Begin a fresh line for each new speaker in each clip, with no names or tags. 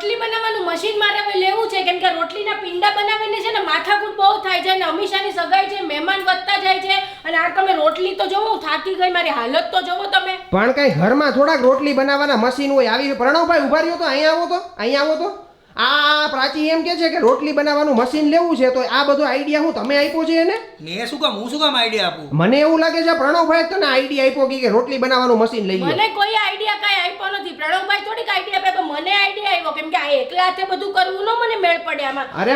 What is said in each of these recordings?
રોટલી બનાવવાનું મશીન મારે હવે લેવું છે, કેમ કે રોટલીના પિંડા બનાવીને છે ને માથાકૂટ બહુ થાય છે અને અમીષાની સગાઈ છે, મહેમાન વધતા જાય છે અને આ તમે રોટલી તો જોવો, હું થાકી ગઈ, મારી હાલત તો જોવો તમે.
પણ કઈ ઘરમાં થોડાક રોટલી બનાવવાના મશીન હોય? આવી પ્રણવભાઈ ઉભા રહ્યો તો અહીંયા આવો તો આ પ્રાચી એમ કે છે કે રોટલી બનાવવાનું મશીન લેવું છે, તો આ બધો આઈડિયા હું તમે આપ્યો છે એને?
મેં શું કામ આઈડિયા આપું?
મને એવું લાગે છે પ્રણવભાઈ તને આઈડિયા આપ્યો કે રોટલી બનાવવાનું મશીન લઈ લે.
મને કોઈ આઈડિયા કાંઈ આપ્યો નથી. પ્રણવભાઈ થોડીક આઈડિયા આપ્યો, મને આઈડિયા આવ્યો, કેમ કે આ એકલા હાથે બધું કરવું ન મને મેળ પડે આમાં.
અરે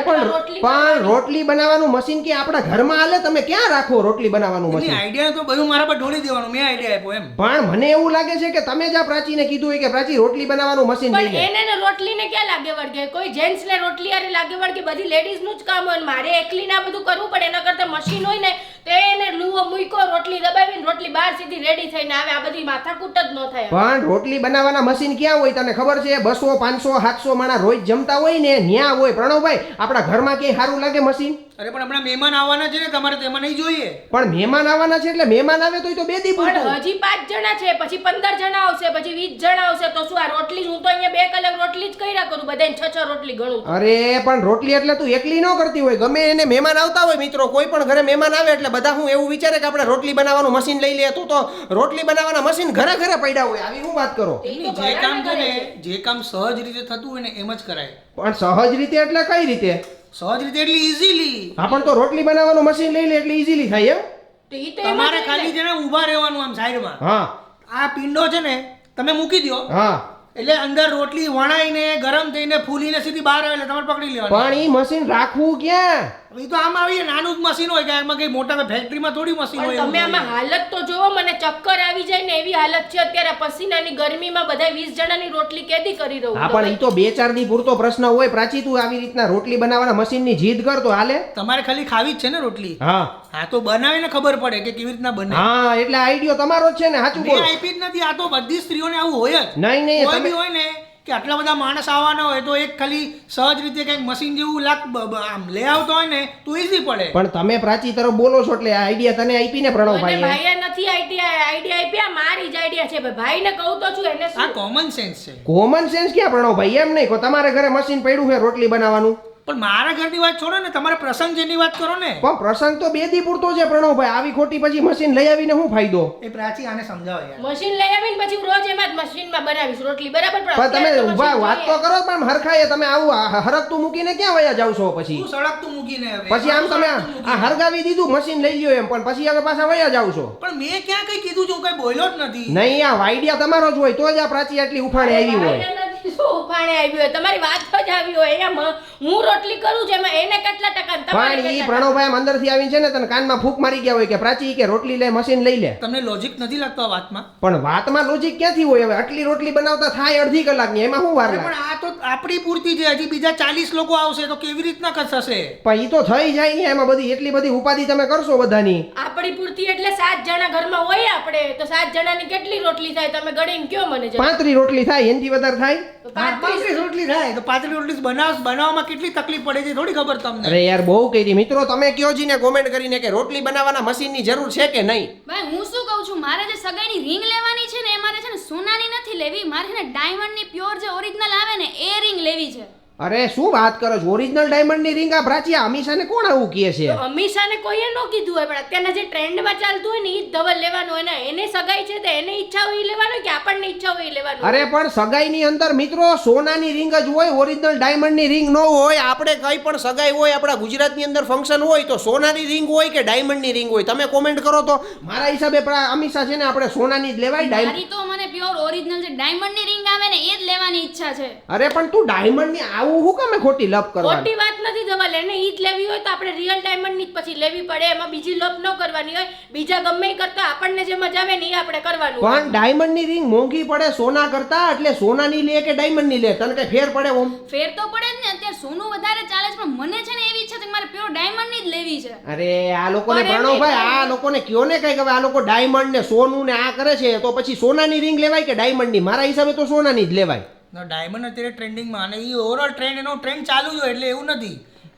પણ રોટલી બનાવવાનું મશીન કે આપણા ઘરમાં હાલે? તમે ક્યાં રાખો રોટલી બનાવવાનું મશીન?
આઈડિયા તો બધું મારા પર ઢોળી દેવાનું, મેં આઈડિયા આપ્યો એમ.
પણ મને એવું લાગે છે કે તમે જ આ પ્રાચીને કીધું હોય કે પ્રાચી રોટલી બનાવવાનું મશીન લઈ લે.
એને રોટલીને ક્યાં લાગે વળગે? કોઈ જેન્ટ્સ ને રોટલી આરે લાગે વળગે? બધી લેડીઝ નું જ કામ હોય, મારે એકલીને આ બધું કરવું પડે. એના કરતા મશીન હોય ને તો એને લુવો મૂકો, રોટલી દબાવીને રોટલી બહાર સીધી રેડી થઈને આવે. આ બધી માથાકૂટ જ ન થાય.
પણ રોટલી બનાવવાના મશીન ક્યાં હોય તને ખબર છે? 200 500 700 માણસ રોજ જમતા હોય ને ન્યા હોય. પ્રણવભાઈ આપણા ઘરમાં ક્યાંય સારું લાગે મશીન?
અરે પણ હમણાં મહેમાન આવવાના છે ને, તમારે તેમાં નહીં જોઈએ.
પણ મહેમાન આવવાના છે એટલે મહેમાન આવે તો 2 દી પૂરતું.
હજી 5 જણા છે, પછી 15 જણા આવશે, પછી 20 જણા આવશે, તો શું આ રોટલી? હું તો અહીંયા 2 કલાક રોટલી જ કર્યા કરું, બધાને 6 રોટલી ગણું.
અરે પણ રોટલી એટલે તું એકલી ન કરતી હોય, ગમે એને મહેમાન આવતા હોય મિત્રો, કોઈ પણ ઘરે મહેમાન આવે એટલે બધા હું એવું વિચારે કે આપણે રોટલી બનાવવાનું મશીન લઈ લે. તું તો રોટલી બનાવવાના મશીન ઘરે પડ્યા હોય, આવી હું વાત કરો?
જે કામ છે ને, જે કામ સહજ રીતે થતું હોય ને એમ જ કરાય.
પણ સહજ રીતે એટલે કઈ રીતે?
સહજ રીતે એટલે ઈઝીલી.
હા પણ તો રોટલી બનાવવાનું મશીન લઈ લે એટલે ઈઝીલી થાય એમ?
તમારે ખાલી છે ને ઊભા રહેવાનું આમ સાઈડમાં.
હા,
આ પિંડો છે ને તમે મૂકી દો,
હા,
એટલે અંદર રોટલી વણાઈને ગરમ થઈને ફૂલીને સીધી બહાર આવે એટલે તમારે પકડી લેવાનું.
પણ ઈ મશીન રાખવું ક્યાં?
એ તો આમ આવીએ નાનું જ મશીન હોય કે આમાં કઈ મોટા ફેક્ટરીમાં થોડી મશીન હોય.
તમે આમાં હાલત તો જોવો, મને ચક્કર આવી જાય ને એવી હાલત છે અત્યારે. પસીનાની ગરમીમાં બધા 20 જણાની રોટલી કેદી કરી રહું.
હા પણ ઈ તો 2-4 દી પૂરતો પ્રશ્ન હોય. પ્રાચી તું આવી રીતના રોટલી બનાવવાના મશીનની જીદ કર તો હાલે?
તમારે ખાલી ખાવી જ છે ને રોટલી.
હા
હા તો બનાવીને ખબર પડે કે કેવી રીતના બને.
હા એટલે આઈડિયો તમારો જ છે ને, સાચું બોલો.
આપી જ નથી, આ તો બધી સ્ત્રીઓને આવું હોય જ.
નહીં
કોઈ બી હોય ને કે આટલા બધા માણસ આવવાના હોય તો એક ખાલી સહજ રીતે કંઈક મશીન જેવું આમ લે આવતો હોય ને તો ઈઝી પડે.
પણ તમે પ્રાચી તરફ બોલો છો એટલે આ આઈડિયા તને આપી ને પ્રણવભાઈ?
ભાઈએ નથી આઈડિયા આપ્યા, મારી જ આઈડિયા છે. ભાઈને કહું તો છું, એને
આ કોમન સેન્સ છે.
કોમન સેન્સ ક્યાં પ્રણવભાઈ? એમ નહીં, તમારે ઘરે મશીન પડ્યું છે રોટલી બનાવવાનું.
પણ મારા ઘરની વાત છોડો ને, તમારે પ્રસંગ જેની વાત કરો ને.
પણ પ્રસંગ તો 2 દી પૂરતો છે પ્રણવભાઈ. આવી ખોટી પછી મશીન લઈ આવીને શું ફાયદો?
એ પ્રાચી આને સમજાવો યાર.
મશીન લઈ આવીને પછી હું રોજ એમાં જ મશીનમાં બનાવીશ રોટલી, બરાબર?
પણ તમે ઊભા વાત તો કરો, પણ હરખાએ તમે આવું હરકતું મૂકીને ક્યાં વયા જાવ છો પછી?
શું સળગતું મૂકીને હવે?
પછી આમ તમે આ હરગાવી દીધું મશીન લઈ લ્યો એમ, પણ પછી હવે પાછા વયા જાવ છો.
પણ મેં ક્યાં કઈ કીધું છું? કઈ બોલ્યો જ નથી.
નહીં, આ આઈડિયા તમારો જ હોય તો જ આ પ્રાચી આટલી ઉફાણે આવી હોય.
ઉફાણે આવી હોય, તમારી વાત જ આવી હોય. અહીંયા હું રોટલી કરું છું, એમાં એને કેટલા ટકા?
પણ ઈ પ્રણવભાઈ અંદરથી આવીને છે ને તને કાનમાં ફૂંક મારી ગયા હોય કે પ્રાચી કે રોટલી લે, મશીન લઈ લે.
તમને લોજિક નથી લાગતો આ વાતમાં?
પણ વાતમાં લોજિક ક્યાંથી હોય? હવે આટલી રોટલી બનાવતા થાય અડધી કલાકની, એમાં શું વાર લાગે?
પણ આ તો આપણી પૂરતી છે, હજી બીજા 40 લોકો આવશે તો કેવી રીતના થશે?
પણ ઈ તો થઈ જાય ને, એમાં બધી એટલી બધી ઉપાધિ તમે કરશો બધાની.
આપણી પૂરતી એટલે 7 જણા ઘરમાં હોય આપણે તો 7 જણાની કેટલી રોટલી થાય તમે ગણીને કયો મને?
35 રોટલી થાય, એનથી વધારે થાય?
35 રોટલી થાય તો 35 રોટલી બનાવવામાં કેટલી તકલીફ પડે છે થોડી ખબર તમને?
અરે યાર બહુ કરી. મિત્રો તમે કયો જી ને કોમેન્ટ કરીને કે રોટલી બનાવવાના મશીનની જરૂર છે કે નહીં?
ભાઈ હું શું કહું છું, મારે જે સગાઈની રિંગ લેવાની છે ને એ મારે છે ને સોનાની નથી લેવી, મારે છે ને ડાયમંડની પ્યોર જે ઓરિજિનલ આવે ને એ રિંગ લેવી છે.
અરે શું વાત કરો છો? ઓરિજિનલ ડાયમંડની રિંગ આ પ્રાચી અમીષાને કોણ આવું કહે છે?
અમીષાને કોઈએ ન કીધું હોય, પણ અત્યારના જે ટ્રેન્ડમાં ચાલતું હોય ને ઈ જ ધવલ લેવાનું હોય ને. એને સગાઈ છે તો એને ઈચ્છા હોય ઈ લેવાનું કે આપણને ઈચ્છા હોય ઈ લેવાનું?
અરે પણ સગાઈની અંદર મિત્રો સોનાની રિંગ જ હોય, ઓરિજિનલ ડાયમંડની રિંગ ન હોય. આપણે કઈ પણ સગાઈ હોય આપણા ગુજરાતની અંદર ફંક્શન હોય તો સોનાની રિંગ હોય કે ડાયમંડની રિંગ હોય? તમે કોમેન્ટ કરો તો. મારા હિસાબે અમીષા છે ને આપણે સોનાની જ લેવાય.
મારી તો મને પ્યોર ઓરિજિનલ જે ડાયમંડની રિંગ આવે ને એ જ લેવાની ઈચ્છા છે.
અરે પણ તું ડાયમંડની આવું હું કામે ખોટી લપ કરવાની?
ખોટી વાત નથી ધવલ, એને ઈ જ લેવી હોય તો આપણે રિયલ ડાયમંડની જ પછી લેવી પડે. એમાં બીજી લપ ન કરવાની હોય. બીજા ગમે કરતા આપણને જે મજા આવે ને એ આપણે કરવાનું.
પણ ડાયમંડની રિંગ મોંઘી પડે સોના કરતા, એટલે સોનાની લે કે ડાયમંડની લે? તને કઈ ફેર પડે? ઓમ
ફેર તો પડે જ ને, અત્યારે સોનું વધારે ચાલે છે પણ મને છે ને એવી ઈચ્છા છે કે મારે પ્યોર ડાયમંડની જ લેવી છે.
અરે આ લોકોને પ્રણવભાઈ, આ લોકોને કયો ને કઈ હવે આ લોકો ડાયમંડ ને સોનું ને આ કરે છે તો પછી સોનાની રિંગ લેવાય કે ડાયમંડની? મારા હિસાબે તો સોનાની જ લેવાય.
ડાયમંડ અત્યારે ટ્રેન્ડિંગમાં અને એ ઓવરઓલ ટ્રેન્ડ એનો ટ્રેન્ડ ચાલુ જ હોય એટલે એવું નથી.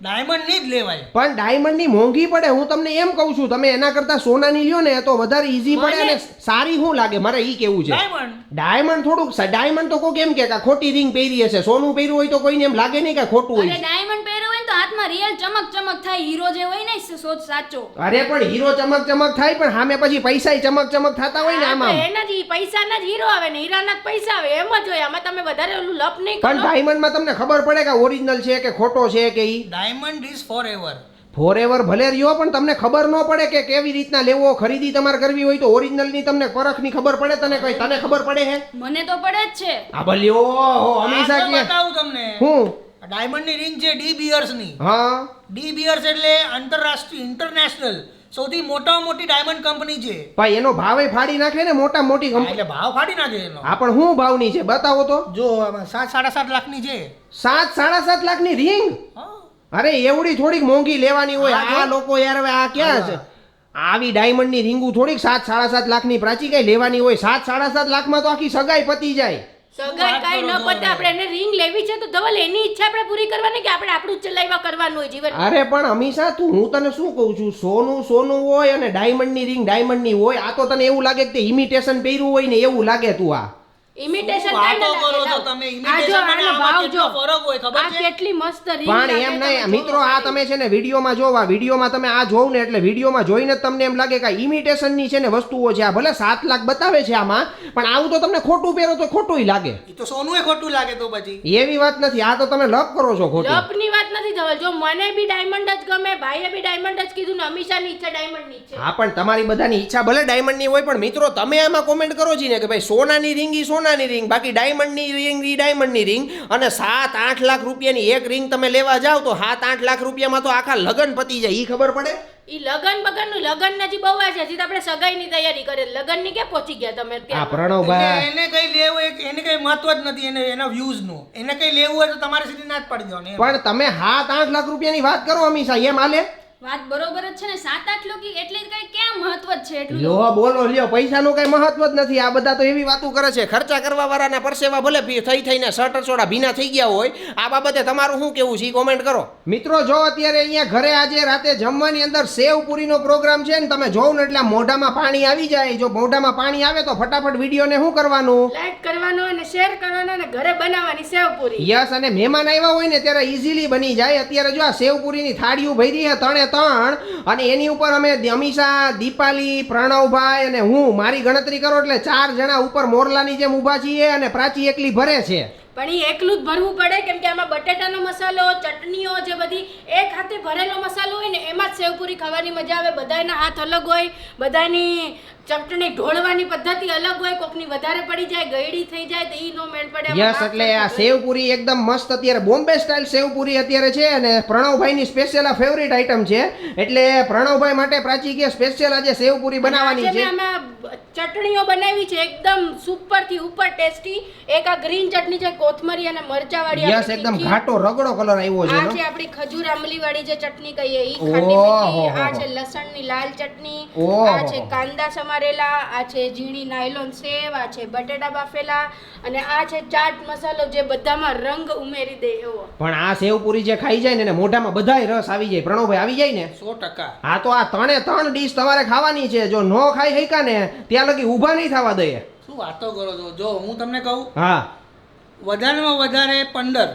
ડાયમંડની જ લેવાય.
પણ ડાયમંડની મોંઘી પડે. હું તમને એમ કહું છું તમે એના કરતા સોનાની લ્યો ને તો વધારે ઈઝી પડે અને સારી શું લાગે મારે ઈ કેવું છે. ડાયમંડ થોડુંક ડાયમંડ તો કોઈ કેમ કે ખોટી રિંગ પહેરી હશે, સોનું પહેર્યું હોય તો કોઈને એમ લાગે નહીં કે ખોટું હોય.
ડાયમંડ પહેર્યો હોય ને તો હાથમાં રિયલ ચમક ચમક થાય, હીરો જે હોય ને સોચ સાચો.
અરે પણ હીરો ચમક ચમક થાય પણ સામે પછી પૈસા ચમક ચમક થતા હોય ને આમાં.
એના જ પૈસાના જ હીરો આવે ને હીરાના જ પૈસા આવે એમ જ હોય. આમાં તમે વધારે ઓલું લપ નહીં કરો.
પણ ડાયમંડમાં તમને ખબર પડે કે ઓરિજિનલ છે કે ખોટો છે કે ઈ.
Diamond is forever.
ફોરએવર ભલે રહ્યો પણ તમને ખબર ન પડે કે કેવી રીતના લેવો. ખરીદી તમારે કરવી હોય તો ઓરિજિનલ ની તમને પરખની ખબર પડે. તને ખબર પડે હે?
મને તો પડે જ છે.
આ ભલે ઓહો હંમેશા કે
બતાવું તમને.
હું
ડાયમંડ ની રિંગ છે ડી બિયર્સ ની.
હા,
ડી બિયર્સ એટલે આંતરરાષ્ટ્રીય ઇન્ટરનેશનલ સૌથી મોટામાં મોટી ડાયમંડ કંપની છે.
ભાઈ એનો ભાવે ફાડી નાખે ને મોટા મોટી
હા,
કંપની.
એટલે ભાવ ફાડી નાખે એનો.
આ પણ શું ભાવની છે બતાવો તો.
જો આમાં 7.5 લાખની છે.
7.5 લાખની રિંગ?
હા.
અરે એવડી થોડીક મોંઘી લેવાની હોય.
હા,
આ લોકો યાર હવે આ ક્યાં છે? આવી ડાયમંડ ની રીંગુ થોડીક 7.5 લાખની પ્રાચી કઈ લેવાની હોય? 7.5 લાખમાં તો આખી સગાઈ પતી જાય.
સગાઈ કાઈ ન પતે. આપણે એને રિંગ લેવી છે તો ધવલ એની ઈચ્છા આપણે પૂરી કરવાની કે આપણે આપણું જ ચલાવવા કરવાનું હોય જીવન.
અરે પણ હંમેશા હું તને શું કહું છું, સોનું હોય અને ડાયમંડ ની રિંગ ડાયમંડ ની હોય. આ તો તને એવું લાગે કે ઇમિટેશન પહેર્યું હોય ને એવું લાગે. તું આ
ઇમિટેશન
વાતો કરો છો તમે. ઇમિટેશન અને આમાં કેટલો ફરક હોય ખબર
આ
છે?
કેટલી મસ્ત રિંગ
પણ એમ નહીં મિત્રો, આ તમે છે ને વિડીયોમાં જોવા, વિડીયોમાં તમે આ જોવ ને એટલે વિડીયોમાં જોઈને જ તમને એમ લાગે કે ઇમિટેશન ની છે ને વસ્તુઓ છે. આ ભલે 7 લાખ બતાવે છે આમાં, પણ આવું તો તમને ખોટું પહેરો તો ખોટું લાગે.
ઈ તો સોનું એ ખોટું લાગે તો પછી.
એવી વાત નથી. આ તો તમે લપ કરો છો ખોટું.
લપની વાત નથી ધવલ. જો મને બી ડાયમંડ જ ગમે, ભાઈએ બી ડાયમંડ જ કીધું ને અમીષાની ઈચ્છા ડાયમંડ ની છે.
હા પણ તમારી બધાની ઈચ્છા ભલે ડાયમંડ ની હોય, પણ મિત્રો તમે આમાં કોમેન્ટ કરો છો ને કે ભાઈ સોનાની રિંગ ઈ સોનાની રિંગ, બાકી ડાયમંડની રિંગ ઈ ડાયમંડની રિંગ. અને 7-8 લાખ રૂપિયાની એક રિંગ તમે લેવા જાવ તો 7-8 લાખ રૂપિયામાં તો આખા લગન પતી જાય. ઈ ખબર પડે?
ઈ લગન નજી બહુ છે. હજી તો આપણે સગાઈની તૈયારી કરે. લગન ની કે પહોંચી ગયા તમે
આ
અત્યારે?
પ્રણવભાઈ
એને કઈ લેવું એને કઈ મહત્વ જ નથી. એના વ્યુઝ નું એને કઈ લેવું હોય તો તમારે સીધી ના જ પાડી દેવાની.
પણ તમે 7-8 લાખ રૂપિયાની વાત કરો હંમેશા, એમ હાલે?
વાત બરોબર જ છે ને. 7-8 લોકો એટલે કઈ ક્યાં મહત્વ જ છે એટલું?
લ્યો બોલો લ્યો, પૈસાનું કઈ મહત્વ જ નથી. આ બધા તો એવી વાતો કરે છે. ખર્ચા કરવા વાળાના પરસેવા ભલે થઈને શર્ટ સોડા ભીના થઈ ગયા હોય. આ બાબતે તમારું શું કેવું છે કોમેન્ટ કરો. મિત્રો જો અત્યારે અહીંયા ઘરે આજે રાતે જમવાની અંદર સેવ પૂરીનો પ્રોગ્રામ છે ને, તમે જોવ ને એટલે મોઢામાં પાણી આવી જાય. જો મોઢામાં પાણી આવે તો ફટાફટ વિડીયોને શું કરવાનું?
લાઈક કરવાનો અને શેર કરવાનો અને ઘરે બનાવવાની સેવ પૂરી.
યસ, અને મહેમાન આવ્યા હોય ને ત્યારે ઈઝીલી બની જાય. અત્યારે જો આ સેવ પૂરીની થાળીઓ ભરી છે 3 અને એની ઉપર અમે અમીષા, દીપાલી, પ્રણવભાઈ અને હું, મારી ગણતરી કરો એટલે 4 જણા ઉપર મોરલાની જેમ ઊભા છીએ અને પ્રાચી એકલી ભરે છે.
પણ એ એકલું જ ભરવું પડે કેમ કે આમાં બટેટાનો મસાલો, ચટણીઓ જે બધી એક હાથે ભરેલો મસાલો હોય ને એમાં જ સેવપુરી ખાવાની મજા આવે. બધાના હાથ અલગ હોય, બધાની ચટણી ઢોળવાની પદ્ધતિ અલગ હોય. કોકની વધારે પડી જાય, ગયડી થઈ જાય તો ઈ નો મેળ પડે.
યસ, એટલે આ સેવપુરી એકદમ મસ્ત અત્યારે બોમ્બે સ્ટાઇલ સેવપુરી અત્યારે છે અને પ્રણવભાઈની સ્પેશિયલ આ ફેવરિટ આઈટમ છે. એટલે પ્રણવભાઈ માટે પ્રાચી કે સ્પેશિયલ આજે સેવપુરી બનાવવાની છે.
આમાં ચટણીઓ બનાવી છે એકદમ સુપર થી ઉપર ટેસ્ટી. એક આ ગ્રીન ચટણી છે કોથમરી અને મરચા વાળી.
યસ, એકદમ ઘાટો રગડો કલર આવ્યો છે.
આ છે આપણી ખજૂર આંબલી વાળી જે ચટણી કહીએ ઈ ખાટી મીઠી. આ છે લસણની લાલ ચટણી. આ છે કાંદા સમારેલા. આ છે ઝીણી નાયલોન સેવ. આ છે બટેટા બાફેલા અને આ છે ચાટ મસાલો જે બધામાં રંગ ઉમેરી દે એવો.
પણ આ સેવપુરી જે ખાઈ જાય ને એને મોઢામાં બધાય રસ આવી જાય. પ્રણવભાઈ આવી જાય ને
100%.
હા, તો આ 3 ડીશ તમારે ખાવાની છે. જો નો ખાઈ શક્યા ને ત્યાં લગી ઊભા નહીં થવા દઈએ.
શું વાતો કરો છો? જો હું તમને કહું,
હા,
વધારેમાં વધારે 15.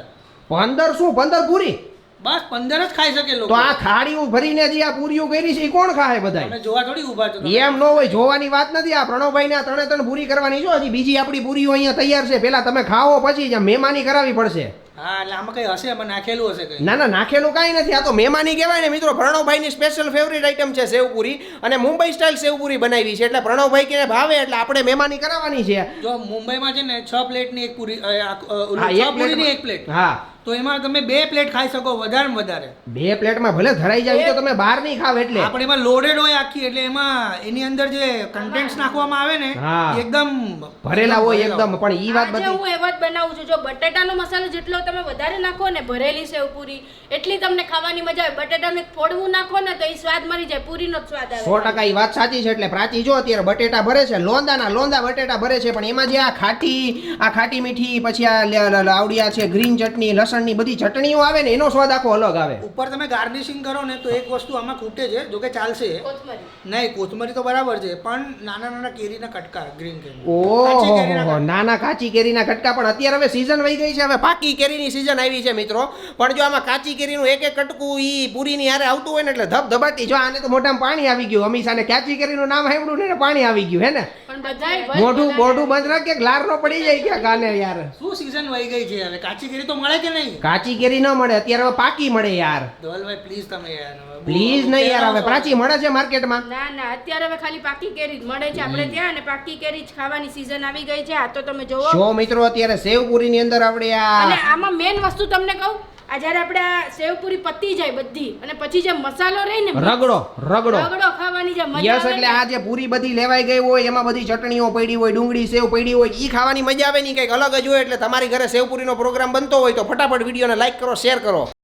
15 શું? 15 પૂરી?
બસ 15 જ ખાઈ શકે
તો
લોકો.
આ થાળીઓ ભરીને જે આ પૂરીઓ કરી છે એ કોણ ખાય બધાય?
તમે જોવા થોડી ઊભા છો તમે.
એમ ન હોય, જોવાની વાત નથી. આ પ્રણવભાઈ ને 3 પૂરી કરવાની છો. હજી બીજી આપણી પૂરીઓ અહીંયા તૈયાર છે. પેલા તમે ખાઓ પછી જ મહેમાની કરાવી પડશે.
હા, એટલે આમાં કઈ હશે, આમાં નાખેલું હશે કઈ.
ના ના, નાખેલું કાંઈ નથી. આ તો મહેમાની કહેવાય ને મિત્રો. પ્રણવભાઈની સ્પેશિયલ ફેવરિટ આઈટમ છે સેવપુરી અને મુંબઈ સ્ટાઇલ સેવપુરી બનાવી છે. એટલે પ્રણવભાઈ કે ભાવે એટલે આપણે મહેમાની કરાવવાની છે.
જો મુંબઈમાં છે ને 6 પ્લેટની એક પૂરી,
હા,
6 પૂરીની એક પ્લેટ.
હા,
તો એમાં તમે 2 પ્લેટ ખાઈ શકો વધારે વધારે.
2 પ્લેટમાં ભલે ધરાઈ જાય તો તમે બહાર નહીં ખાવ. એટલે
આપણે એમાં લોડેડ હોય આખી, એટલે એમાં એની અંદર જે કન્ટેન્ટ્સ નાખવામાં આવે ને
હા,
એ એકદમ
ભરેલા હોય એકદમ. પણ ઈ વાત
આજે
બધી
હું એવા જ બનાવું છું. જો બટેટાનો મસાલો જેટલો તમે વધારે નાખો ને ભરેલી સેવ પૂરી એટલી તમને ખાવાની મજા આવે. બટેટાનું એક ફોડવું નાખો ને તો એ સ્વાદ મરી જાય, પૂરીનો જ સ્વાદ આવે.
100% ઈ વાત સાચી છે. એટલે પ્રાચી જો અત્યારે બટેટા ભરે છે, લોંદા બટેટા ભરે છે. પણ એમાં જે આ ખાટી મીઠી પછી આ આવડિયા છે, ગ્રીન ચટણી, લસણ લસણની બધી ચટણીઓ આવે ને એનો સ્વાદ આખો અલગ આવે.
ઉપર તમે ગાર્નિશિંગ કરો ને તો એક વસ્તુ આમાં ખૂટે છે, જો કે ચાલશે.
કોથમરી
નહીં, કોથમરી તો બરાબર છે, પણ નાના નાના કેરીના કટકા, ગ્રીન કેરી, કાચી કેરીના
ઓહો, નાના કાચી કેરીના કટકા. પણ અત્યારે હવે સીઝન વહી ગઈ છે, હવે પાકી કેરીની સીઝન આવી છે મિત્રો. પણ જો આમાં કાચી કેરીનું એક એક કટકું ઈ પૂરીની હારે આવતું હોય ને એટલે ધબધબાટી. જો આને તો મોઢામાં પાણી આવી ગયું. અમીષાને કાચી કેરીનું નામ સાંભળ્યું ને પાણી આવી ગયું હે ને.
પણ બધાય
મોઢું બંધ રાખ કે લાર નો પડી જાય ક્યાં કાને યાર.
શું સીઝન વહી ગઈ છે હવે? કાચી કેરી તો મળે કે નહીં?
કાચી કેરી ન મળે અત્યારે, હવે પાકી મળે યાર.
ધવલભાઈ પ્લીઝ તમે યાર,
પ્લીઝ નહીં યાર, હવે પ્રાચી મળે છે માર્કેટમાં.
ના ના અત્યારે હવે ખાલી પાકી કેરી જ મળે છે આપણે ત્યાં, અને પાકી કેરી જ ખાવાની સીઝન આવી ગઈ છે. આ તો તમે જોવો.
જો મિત્રો અત્યારે સેવપુરીની અંદર આપણે
અને
આ
આમાં મેન વસ્તુ તમને કહું, આ જ્યારે આપણે આ સેવપુરી પતી જાય બધી અને પછી જે મસાલો રહે ને
રગડો
રગડો ખાવાની જે મજા
યસ,
આવે
એટલે
ને,
આ જે પૂરી બધી લેવાઈ ગઈ હોય એમાં બધી ચટણીઓ પડી હોય, ડુંગળી સેવ પડી હોય, ઈ ખાવાની મજા આવે નહીં, કંઈક અલગ જ હોય. એટલે તમારી ઘરે સેવપુરીનો પ્રોગ્રામ બનતો હોય તો ફટાફટ વિડીયોને લાઈક કરો, શેર કરો.